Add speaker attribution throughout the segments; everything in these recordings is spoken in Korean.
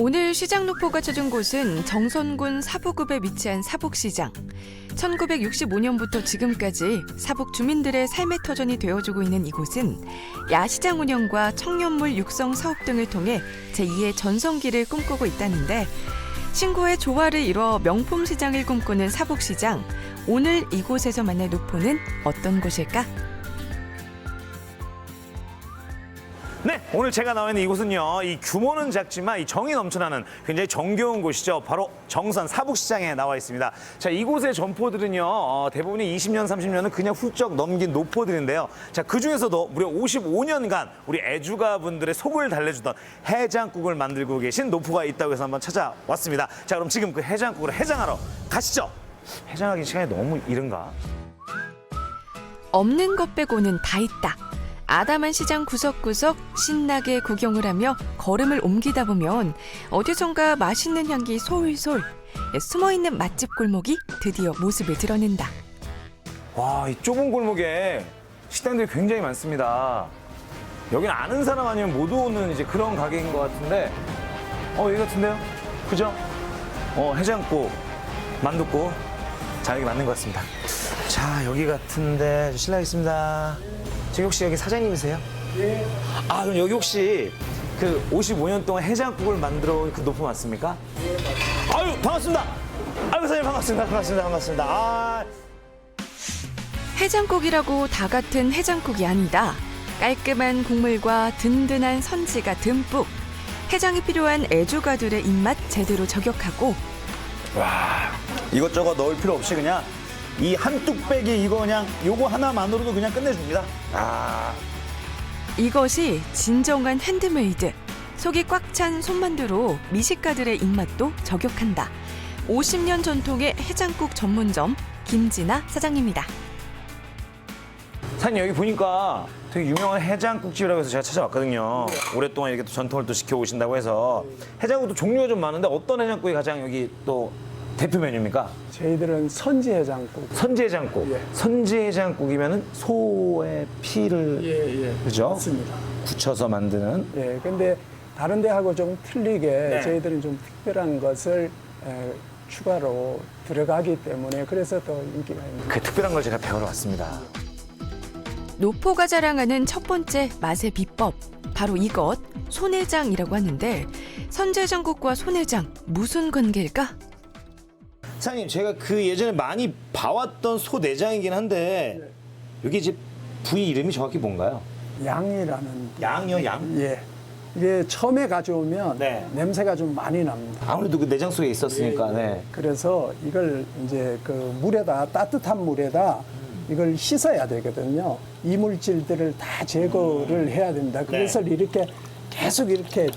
Speaker 1: 오늘 시장 노포가 찾은 곳은 정선군 사북읍에 위치한 사북시장. 1965년부터 지금까지 사북 주민들의 삶의 터전이 되어주고 있는 이곳은 야시장 운영과 청년물 육성 사업 등을 통해 제2의 전성기를 꿈꾸고 있다는데, 신고의 조화를 이뤄 명품 시장을 꿈꾸는 사북시장. 오늘 이곳에서 만날 노포는 어떤 곳일까?
Speaker 2: 네, 오늘 제가 나와 있는 이곳은요, 이 규모는 작지만 이 정이 넘쳐나는 굉장히 정겨운 곳이죠. 바로 정선 사북시장에 나와 있습니다. 자, 이곳의 점포들은요, 대부분이 20년, 30년은 그냥 훌쩍 넘긴 노포들인데요. 자, 그 중에서도 무려 55년간 우리 애주가분들의 속을 달래주던 해장국을 만들고 계신 노포가 있다고 해서 한번 찾아왔습니다. 자, 그럼 지금 그 해장국을 해장하러 가시죠. 해장하기 시간이 너무 이른가?
Speaker 1: 없는 것 빼고는 다 있다. 아담한 시장 구석구석 신나게 구경을 하며 걸음을 옮기다 보면 어디선가 맛있는 향기 솔솔. 숨어있는 맛집 골목이 드디어 모습을 드러낸다.
Speaker 2: 와, 이 좁은 골목에 식당들이 굉장히 많습니다. 여기는 아는 사람 아니면 못 오는 이제 그런 가게인 것 같은데, 여기 같은데요? 그죠? 해장국, 만둣국. 자, 여기 맞는 것 같습니다. 자, 여기 같은데 실례하겠습니다. 지금 혹시 여기 사장님이세요?
Speaker 3: 예.
Speaker 2: 아, 그럼 여기 혹시 그 55년 동안 해장국을 만들어 온 그 노포 맞습니까?
Speaker 3: 예, 맞습니다.
Speaker 2: 아유, 반갑습니다. 아유, 사장님 반갑습니다. 아.
Speaker 1: 해장국이라고 다 같은 해장국이 아니다. 깔끔한 국물과 든든한 선지가 듬뿍. 해장이 필요한 애주가들의 입맛 제대로 저격하고,
Speaker 3: 와, 이것저것 넣을 필요 없이 그냥 이 한 뚝배기 이거 그냥 요거 하나만으로도 그냥 끝내줍니다. 아,
Speaker 1: 이것이 진정한 핸드메이드. 속이 꽉 찬 손만두로 미식가들의 입맛도 저격한다. 50년 전통의 해장국 전문점 김진아 사장님이다.
Speaker 2: 사장님, 여기 보니까 되게 유명한 해장국집이라고 해서 제가 찾아왔거든요. 오랫동안 이렇게 또 전통을 또 지켜오신다고 해서 해장국도 종류가 좀 많은데 어떤 해장국이 가장 여기 또 대표 메뉴입니까?
Speaker 4: 저희들은 선지해장국.
Speaker 2: 선지해장국.
Speaker 4: 예.
Speaker 2: 선지해장국이면은 소의 피를
Speaker 4: 예.
Speaker 2: 그죠?
Speaker 4: 맞습니다.
Speaker 2: 굳혀서 만드는.
Speaker 4: 예, 근데 다른 데하고 좀 틀리게
Speaker 2: 네.
Speaker 4: 저희들은 좀 특별한 것을 추가로 들어가기 때문에 그래서 더 인기가 있는.
Speaker 2: 그 특별한 걸 제가 배우러 왔습니다.
Speaker 1: 노포가 자랑하는 첫 번째 맛의 비법. 바로 이것, 손해장이라고 하는데, 선지해장국과 손해장 무슨 관계일까?
Speaker 2: 사장님, 제가 그 예전에 많이 봐왔던 소 내장이긴 한데 여기 이제 부위 이름이 정확히 뭔가요?
Speaker 4: 양이라는.
Speaker 2: 양이요, 양?
Speaker 4: 예. 이게 처음에 가져오면
Speaker 2: 네.
Speaker 4: 냄새가 좀 많이 납니다.
Speaker 2: 아무래도 그 내장 속에 있었으니까. 네.
Speaker 4: 그래서 이걸 이제 그 물에다, 따뜻한 물에다 이걸 씻어야 되거든요. 이물질들을 다 제거를 해야 됩니다. 그것을 이렇게 계속 이렇게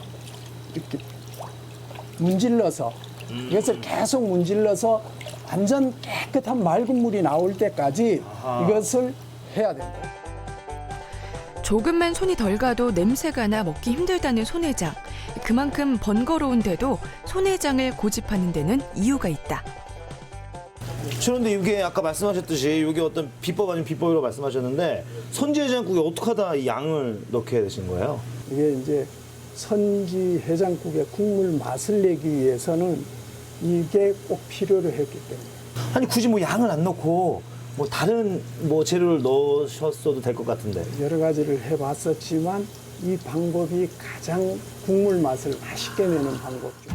Speaker 4: 문질러서 이것을 계속 문질러서 완전 깨끗한 맑은 물이 나올 때까지 이것을 해야 됩니다.
Speaker 1: 조금만 손이 덜 가도 냄새가 나 먹기 힘들다는 손해장. 그만큼 번거로운데도 손해장을 고집하는 데는 이유가 있다.
Speaker 2: 그런데 이게 아까 말씀하셨듯이 이게 어떤 비법 아닌 비법이라고 말씀하셨는데 선지해장국에 어떻게 하다 이 양을 넣게 되신 거예요?
Speaker 4: 이게 이제 선지 해장국의 국물 맛을 내기 위해서는 이게 꼭 필요로 했기 때문에.
Speaker 2: 아니 굳이 뭐 양을 안 넣고 뭐 다른 뭐 재료를 넣으셨어도 될 것 같은데.
Speaker 4: 여러 가지를 해봤었지만 이 방법이 가장 국물 맛을 맛있게 내는 방법이죠.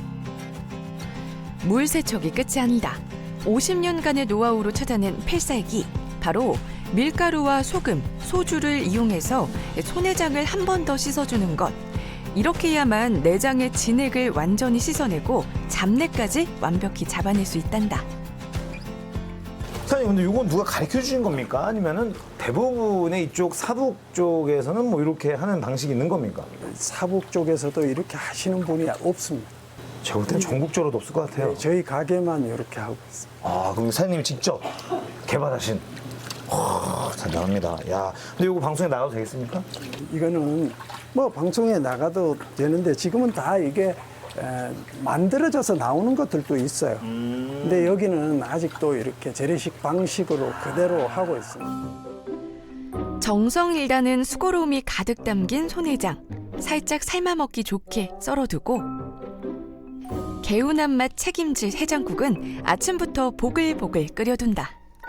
Speaker 1: 물 세척이 끝이 아니다. 50년간의 노하우로 찾아낸 필살기. 바로 밀가루와 소금, 소주를 이용해서 손해장을 한 번 더 씻어주는 것. 이렇게 해야만 내장의 진액을 완전히 씻어내고 잡내까지 완벽히 잡아낼 수 있단다.
Speaker 2: 사장님, 근데 이건 누가 가르쳐 주신 겁니까? 아니면은 대부분의 이쪽 사북 쪽에서는 뭐 이렇게 하는 방식이 있는 겁니까?
Speaker 4: 사북 쪽에서도 이렇게 하시는 분이 없습니다.
Speaker 2: 제가 볼 때는 전국적으로도 없을 것 같아요.
Speaker 4: 저희 가게만 이렇게 하고 있습니다.
Speaker 2: 아, 그럼 사장님이 직접 개발하신. 대단합니다. 야, 근데 이거 방송에 나가도 되겠습니까?
Speaker 4: 이거는 뭐 방송에 나가도 되는데 지금은 다 이게 만들어져서 나오는 것들도 있어요. 근데 여기는 아직도 이렇게 재래식 방식으로 그대로 하고 있습니다.
Speaker 1: 정성이라는 수고로움이 가득 담긴 손해장. 살짝 삶아 먹기 좋게 썰어두고 개운한 맛 책임질 해장국은 아침부터 보글보글 끓여둔다.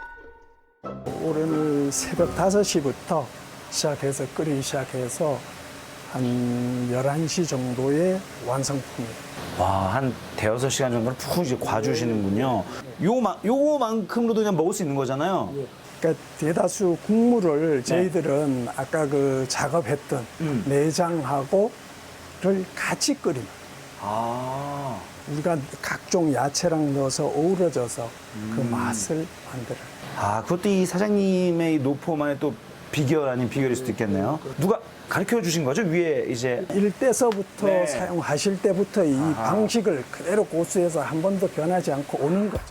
Speaker 4: 올해는 새벽 5시부터 시작해서 끓이기 시작해서 한 11시 정도의 완성품이에요.
Speaker 3: 와, 한 대여섯 시간 정도는 푹 이제 과주시는군요. 요거만큼으로도 그냥 먹을 수 있는 거잖아요.
Speaker 4: 그러니까 대다수 국물을 저희들은 아까 그 작업했던 내장하고를 같이 끓입니다.
Speaker 3: 아.
Speaker 4: 우리가 각종 야채랑 넣어서 어우러져서 그 맛을 만들어요.
Speaker 3: 아, 그것도 이 사장님의 이 노포만의 또 비결 아닌 비결일 수도 있겠네요. 누가 가르쳐 주신 거죠? 위에 이제.
Speaker 4: 일대서부터
Speaker 3: 네.
Speaker 4: 사용하실 때부터 이 방식을 그대로 고수해서 한 번도 변하지 않고 오는 거죠.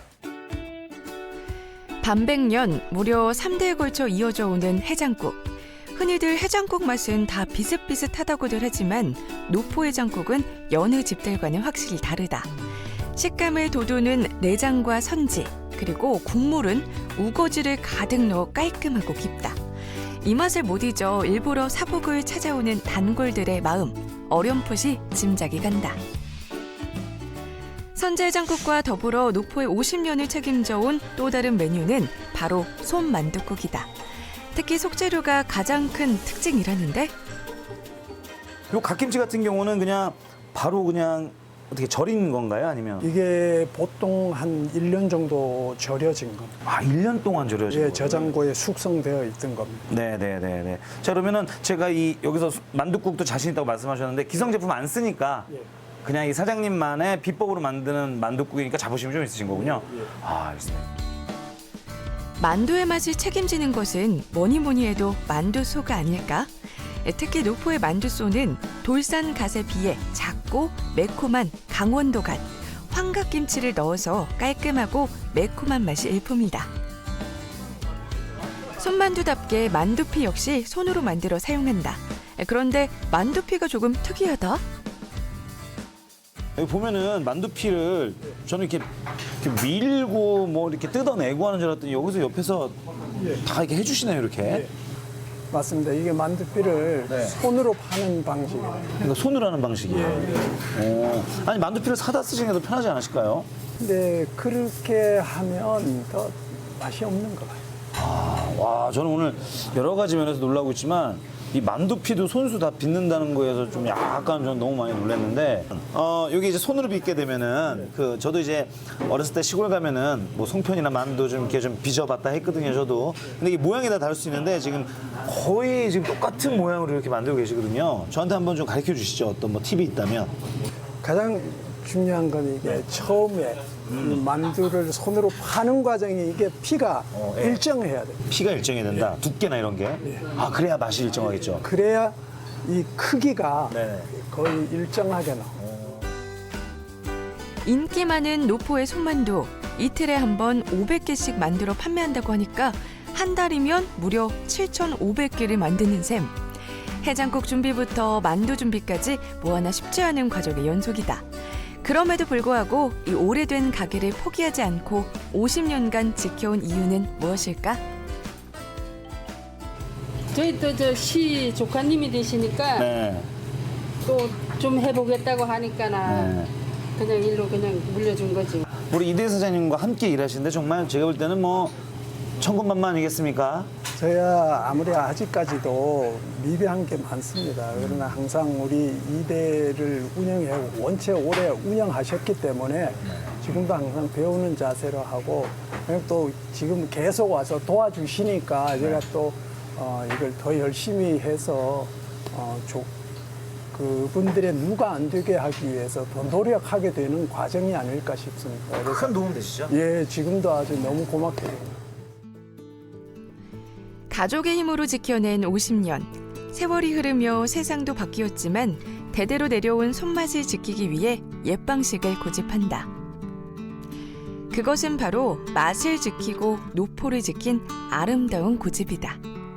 Speaker 1: 반백년 무려 3대에 걸쳐 이어져 오는 해장국. 흔히들 해장국 맛은 다 비슷비슷하다고들 하지만 노포 해장국은 여느 집들과는 확실히 다르다. 식감을 돋우는 내장과 선지, 그리고 국물은 우거지를 가득 넣어 깔끔하고 깊다. 이 맛을 못 잊어 일부러 사복을 찾아오는 단골들의 마음, 어렴풋이 짐작이 간다. 선제해장국과 더불어 노포의 50년을 책임져온 또 다른 메뉴는 바로 솜만둣국이다. 특히 속재료가 가장 큰 특징이라는데
Speaker 3: 요 갓김치 같은 경우는 그냥 바로 그냥 어떻게 절인 건가요? 아니면?
Speaker 4: 이게 보통 한 1년 정도 절여진 겁니다.
Speaker 3: 아, 1년 동안 절여진
Speaker 4: 예,
Speaker 3: 거예요?
Speaker 4: 저장고에 숙성되어 있던 겁니다.
Speaker 3: 네네네네. 자, 그러면은 제가 여기서 만둣국도 자신 있다고 말씀하셨는데 기성 제품 안 쓰니까 그냥 이 사장님만의 비법으로 만드는 만둣국이니까 자부심이 좀 있으신 거군요. 아, 알겠습니다.
Speaker 1: 만두의 맛을 책임지는 것은 뭐니 해도 만두소가 아닐까? 특히 노포의 만두소는 돌산 갓에 비해 작고 매콤한 강원도 갓, 황각김치를 넣어서 깔끔하고 매콤한 맛이 일품이다. 손만두답게 만두피 역시 손으로 만들어 사용한다. 그런데 만두피가 조금 특이하다.
Speaker 3: 여기 보면은 만두피를 저는 이렇게 밀고 뭐 이렇게 뜯어내고 하는 줄 알았더니 여기서 옆에서 다 이렇게 해주시네요, 이렇게.
Speaker 4: 맞습니다. 이게 만두피를
Speaker 3: 네.
Speaker 4: 손으로 파는 방식이에요.
Speaker 3: 그러니까 손으로 하는 방식이에요. 오. 아니, 만두피를 사다 쓰시는 게 더 편하지 않으실까요?
Speaker 4: 근데 그렇게 하면 더 맛이 없는 것 같아요.
Speaker 3: 와, 저는 오늘 여러 가지 면에서 놀라고 있지만 이 만두피도 손수 다 빚는다는 거에서 좀 약간 좀 너무 많이 놀랐는데 여기 이제 손으로 빚게 되면은 저도 이제 어렸을 때 시골 가면은 뭐 송편이나 만두 좀 이렇게 좀 빚어봤다 했거든요, 저도. 근데 이게 모양이 다 다를 수 있는데 지금 거의 지금 똑같은 모양으로 이렇게 만들고 계시거든요. 저한테 한번 좀 가르쳐 주시죠. 어떤 뭐 팁이 있다면.
Speaker 4: 가장 중요한 건 이게 처음에 이 만두를 손으로 파는 과정이 이게 피가
Speaker 3: 예.
Speaker 4: 일정해야 돼요.
Speaker 3: 피가 일정해야 된다. 두께나 이런 게. 아, 그래야 맛이 일정하겠죠.
Speaker 4: 그래야 이 크기가
Speaker 3: 네네.
Speaker 4: 거의 일정하게 나와요.
Speaker 1: 인기 많은 노포의 손만두. 이틀에 한 번 500개씩 만들어 판매한다고 하니까 한 달이면 무려 7,500개를 만드는 셈. 해장국 준비부터 만두 준비까지 뭐 하나 쉽지 않은 과정의 연속이다. 그럼에도 불구하고 이 오래된 가게를 포기하지 않고 50년간 지켜온 이유는 무엇일까?
Speaker 5: 저희 또 저 시 조카님이 되시니까
Speaker 3: 네.
Speaker 5: 또 좀 해보겠다고 하니까나
Speaker 3: 네.
Speaker 5: 그냥 일로 그냥 물려준 거지.
Speaker 3: 우리 이대 사장님과 함께 일하시는데 정말 제가 볼 때는 뭐 천군만만 아니겠습니까?
Speaker 4: 저야 아무리 아직까지도 미비한 게 많습니다. 그러나 항상 우리 이대를 운영해 원체 오래 운영하셨기 때문에 지금도 항상 배우는 자세로 하고 그리고 또 지금 계속 와서 도와주시니까 제가 또 이걸 더 열심히 해서 그분들의 누가 안 되게 하기 위해서 더 노력하게 되는 과정이 아닐까 싶습니다. 그래서
Speaker 3: 큰 도움 되시죠?
Speaker 4: 예, 지금도 아주 너무 고맙게 됩니다.
Speaker 1: 가족의 힘으로 지켜낸 50년. 세월이 흐르며 세상도 바뀌었지만 대대로 내려온 손맛을 지키기 위해 옛 방식을 고집한다. 그것은 바로 맛을 지키고 노포를 지킨 아름다운 고집이다.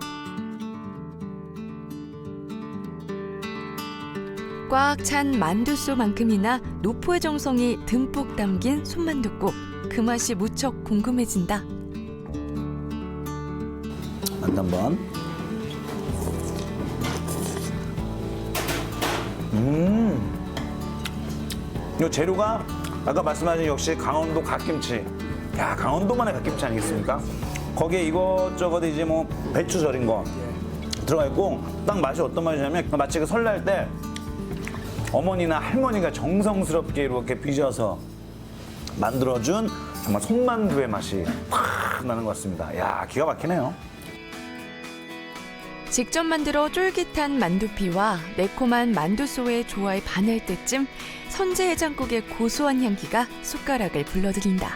Speaker 1: 꽉 찬 만두소만큼이나 노포의 정성이 듬뿍 담긴 손만둣국. 그 맛이 무척 궁금해진다.
Speaker 3: 만두 한번. 이 재료가 아까 말씀하신 역시 강원도 갓김치. 야, 강원도만의 갓김치 아니겠습니까? 거기에 이것저것 이제 뭐 배추 절인 거 들어가 있고 딱 맛이 어떤 맛이냐면 마치 그 설날 때 어머니나 할머니가 정성스럽게 이렇게 빚어서 만들어준 정말 손만두의 맛이 팍 나는 것 같습니다. 야, 기가 막히네요.
Speaker 1: 직접 만들어 쫄깃한 만두피와 매콤한 만두소의 조화에 반할 때쯤 선제 해장국의 고소한 향기가 숟가락을 불러들인다.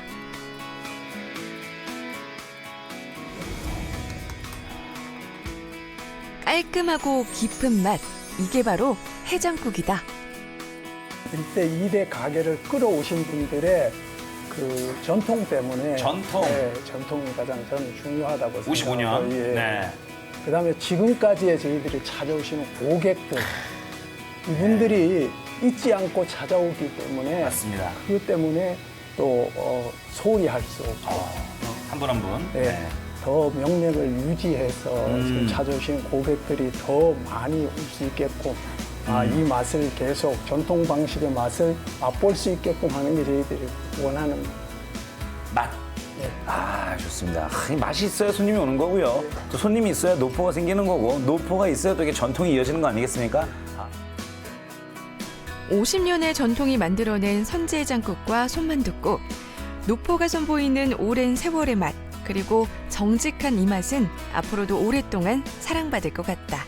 Speaker 1: 깔끔하고 깊은 맛, 이게 바로 해장국이다.
Speaker 4: 1대 2대 가게를 끌어오신 분들의 그 전통 때문에
Speaker 3: 전통?
Speaker 4: 네, 전통이 가장 저는 중요하다고 생각합니다.
Speaker 3: 55년?
Speaker 4: 예.
Speaker 3: 네.
Speaker 4: 그다음에 지금까지의 저희들이 찾아오시는 고객들 이분들이 잊지 않고 찾아오기 때문에
Speaker 3: 맞습니다.
Speaker 4: 그것 때문에 또 소홀히 할 수 없고
Speaker 3: 한 분 한 분.
Speaker 4: 네, 더 명맥을 유지해서 지금 찾아오시는 고객들이 더 많이 올 수 있게끔 이 맛을 계속 전통 방식의 맛을 맛볼 수 있게끔 하는 게 저희들이 원하는
Speaker 3: 맛.
Speaker 4: 네.
Speaker 3: 아, 좋습니다. 이 맛이 있어야 손님이 오는 거고요. 또 손님이 있어야 노포가 생기는 거고, 노포가 있어야 또 이게 전통이 이어지는 거 아니겠습니까?
Speaker 1: 50년의 전통이 만들어낸 선제해장국과 손만둣국, 노포가 선보이는 오랜 세월의 맛, 그리고 정직한 이 맛은 앞으로도 오랫동안 사랑받을 것 같다.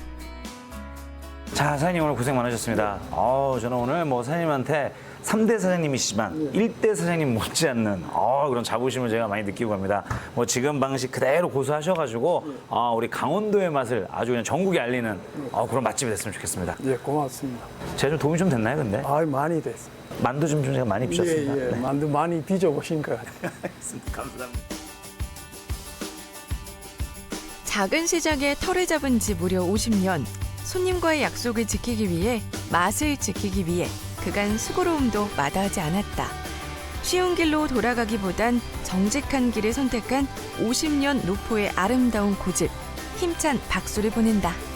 Speaker 3: 자, 사장님 오늘 고생 많으셨습니다. 저는 오늘 뭐 사장님한테 3대 사장님이시지만 1대 사장님 못지않는 그런 자부심을 제가 많이 느끼고 갑니다. 뭐 지금 방식 그대로 고수하셔가지고 우리 강원도의 맛을 아주 그냥 전국에 알리는 그런 맛집이 됐으면 좋겠습니다.
Speaker 4: 예, 고맙습니다.
Speaker 3: 제가 좀 도움이 좀 됐나요, 근데?
Speaker 4: 많이 됐습니다.
Speaker 3: 만두 좀 제가 많이 빚었습니다.
Speaker 4: 예, 예.
Speaker 3: 네.
Speaker 4: 만두 많이 빚어보신 것 같아요.
Speaker 3: 감사합니다.
Speaker 1: 작은 시장에 털을 잡은 지 무려 50년. 손님과의 약속을 지키기 위해, 맛을 지키기 위해 그간 수고로움도 마다하지 않았다. 쉬운 길로 돌아가기보단 정직한 길을 선택한 50년 노포의 아름다운 고집, 힘찬 박수를 보낸다.